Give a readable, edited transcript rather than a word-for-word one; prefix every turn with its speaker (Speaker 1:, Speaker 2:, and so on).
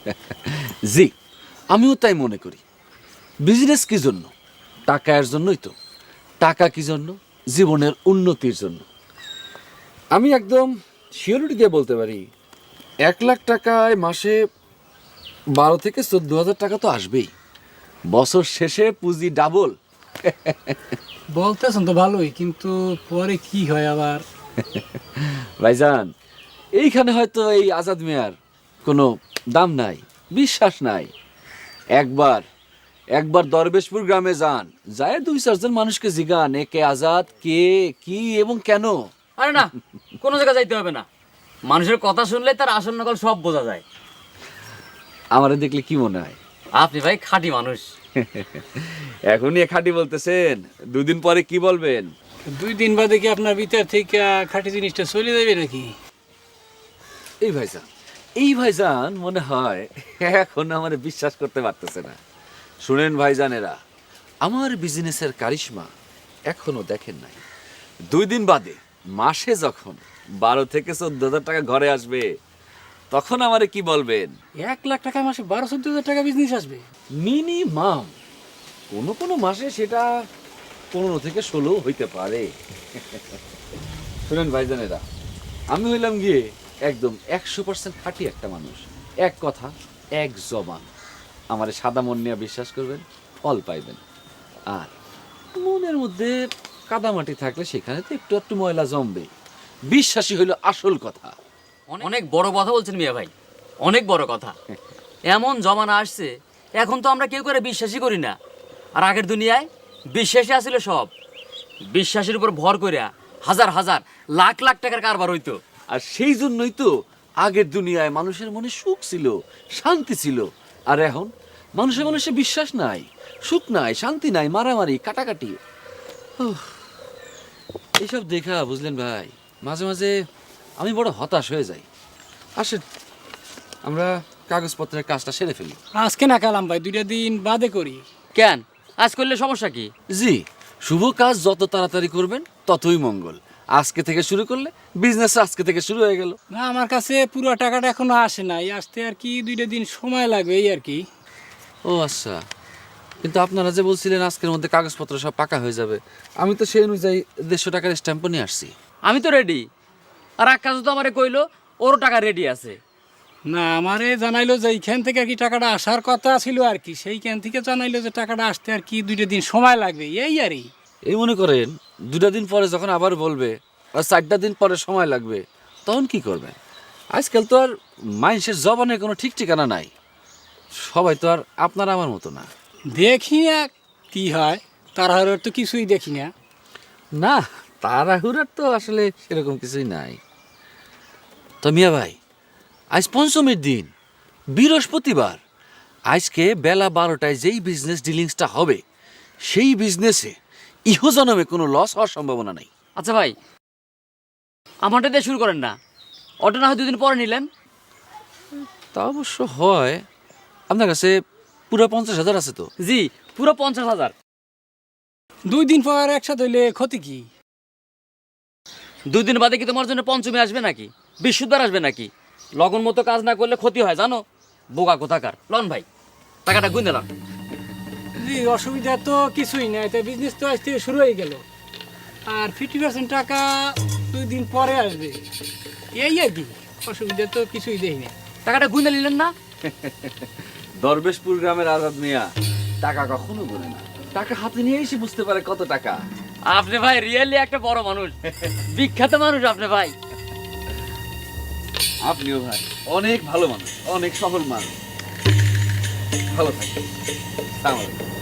Speaker 1: জি, আমিও তাই মনে করি। বিজনেস কি জন্য? টাকার জন্যই তো। টাকা কি জন্য? জীবনের উন্নতির জন্য। আমি একদম শিওরিটি দিয়ে বলতে পারি 1 লাখ টাকায় মাসে 12 থেকে 14,000 টাকা তো আসবেই। বছর শেষে পুঁজি ডাবল।
Speaker 2: বলতেছেন তো ভালোই, কিন্তু পরে কি হয় আবার?
Speaker 1: ভাইজান, এইখানে হয়তো এই আজাদ মিয়ার কোনো দাম নাই, বিশ্বাস নাই। একবার একবার দরবেশপুর গ্রামে যান, যায় 2-4 জন মানুষকে জিগান এ কে আজাদ, কে, কি এবং কেন।
Speaker 3: আরে না, কোনো জায়গায় যাইতে হবে না, মানুষের কথা শুনলে তার আসল নকল সব বোঝা যায়।
Speaker 1: আমারে দেখলে কি মনে হয়?
Speaker 3: আপনি ভাই খাঁটি মানুষ।
Speaker 1: এখনই এ খাঁটি বলতেছেন, 2 দিন পরে কি বলবেন?
Speaker 2: 2 দিন বাদে কি আপনার ভিতর থেকে খাঁটি জিনিসটা চলে যাবে নাকি?
Speaker 1: এই ভাইজান মনে হয় এখন আমার বিশ্বাস করতে পারতেছে না। শুনেন ভাইজানেরা, আমার বিজনেসের কারিশমা এখনো দেখেন নাই। 2 দিন বাদে মাসে যখন 12 থেকে 14,000 টাকা ঘরে আসবে, তখন আমারে কি বলবেন?
Speaker 2: 1 লাখ টাকায় মাসে 12-14 হাজার টাকা বিজনেস আসবে?
Speaker 1: মিনিমাম। কোনো কোনো মাসে সেটা 15 থেকে 16 হইতে পারে। শুনেন ভাইজানেরা, আমি হইলাম গিয়ে একদম 100% খাঁটি একটা মানুষ। এক কথা, এক জবান। আমারে সাদা মন নিয়ে বিশ্বাস করবেন, ফল পাইবেন। আর মনের মধ্যে কাদামাটি থাকলে সেখানে তো একটু একটু ময়লা জমবে। বিশ্বাসী হইল আসল কথা।
Speaker 3: অনেক বড় কথা বলছেন মিয়া ভাই, অনেক বড় কথা। এমন জমানা আসছে, এখন তো আমরা কেউ করে বিশ্বাসই করি না। আর আগের দুনিয়ায় বিশ্বাসী আসলে সব। বিশ্বাসের উপর ভর করিয়া হাজার হাজার লাখ লাখ টাকার কারবার হইতো।
Speaker 1: আর সেই জন্যই তো আগের দুনিয়ায় মানুষের মনে সুখ ছিল, শান্তি ছিল। আর এখন মানুষের মানুষে বিশ্বাস নাই, সুখ নাই, শান্তি নাই, মারামারি, কাটাকাটি। উফ, এইসব দেখা বুঝলেন ভাই, মাঝে মাঝে আমি বড় হতাশ হয়ে যাই। আসেন আমরা কাগজপত্রের কাজটা সেরে ফেলি।
Speaker 2: আজকে না কালাম ভাই, 2 দিন বাদে করি।
Speaker 3: কেন, আজ করলে সমস্যা কি?
Speaker 1: জি, শুভ কাজ যত তাড়াতাড়ি করবেন ততই মঙ্গল। আজকে থেকে শুরু করলে বিজনেস আজকে থেকে শুরু হয়ে গেল।
Speaker 2: না, আমার কাছে পুরো টাকাটা এখনো আসে নাই, আসতে আর কি 2 দিন সময় লাগবে এই আর কি।
Speaker 1: ও আচ্ছা, কিন্তু আপনারা যে বলছিলেন আজকের মধ্যে কাগজপত্র সব পাকা হয়ে যাবে, আমি তো সেই অনুযায়ী 150 টাকার স্ট্যাম্পও নিয়ে আসছি।
Speaker 3: আমি তো রেডি। আর আকাশ তো আমারে কইলো ওরও টাকা রেডি আছে।
Speaker 2: না, আমারে জানাইলো যে এইখান থেকে আর কি টাকাটা আসার কথা ছিল আর কি, সেইখান থেকে জানাইলো যে টাকাটা আসতে আর কি 2 দিন সময় লাগবে এই আরই।
Speaker 1: এই মনে করেন 2 দিন পরে যখন আবার বলবে আর 4 দিন পরে সময় লাগবে, তখন কি করবেন? আজকাল তো আর মানুষের জবানের কোনো ঠিক ঠিকানা নাই। সবাই তো আর আপনার আমার মতো না।
Speaker 2: দেখি না কি হয়, তাড়াহুড়োর তো কিছুই দেখি না।
Speaker 1: না, তাড়াহুড়ার তো আসলে সেরকম কিছুই নাই। তো মিয়া ভাই, আজ পঞ্চমীর দিন, বৃহস্পতিবার। আজকে বেলা 12টায় যেই বিজনেস ডিলিংসটা হবে, সেই বিজনেসে ইহজনমে কোনো লস হওয়ার সম্ভাবনা নাই।
Speaker 3: আচ্ছা ভাই, আমারটা দিয়ে শুরু করেন না, অটো না হয় 2 দিন পরে নিলেন।
Speaker 1: তা অবশ্য হয়। আপনার কাছে পুরো 50,000 আছে তো?
Speaker 3: জি, পুরো 50,000।
Speaker 2: 2 দিন পর একসাথে হইলে ক্ষতি কি?
Speaker 3: 2 দিন বাদে কি তোমার জন্য পঞ্চমী আসবে নাকি, বৃহস্পতিবার আসবে নাকি? লগন মতো কাজ না করলে ক্ষতি হয় জানো, বোকা কোথাকার। লন ভাই, টাকাটা গুনে লন।
Speaker 2: জি, অসুবিধা তো কিছুই নাই, তাই বিজনেস তো আজ থেকে শুরু হয়ে গেল। আর 50% টাকা 2 দিন পরে আসবে এই আর কি, অসুবিধা তো কিছুই দেখি না।
Speaker 3: টাকাটা গুনে নিলেন না?
Speaker 1: দরবেশপুর গ্রামের আজাদ মিয়া টাকা কখনো বলে না, টাকা হাতে নিয়ে এসে বুঝতে পারে কত টাকা।
Speaker 3: আপনি ভাই রিয়েলি একটা বড় মানুষ, বিখ্যাত মানুষ আপনি ভাই।
Speaker 1: আপনিও ভাই অনেক ভালো মানুষ, অনেক সফল মানুষ। ভালো থাকবেন। আসসালামু আলাইকুম।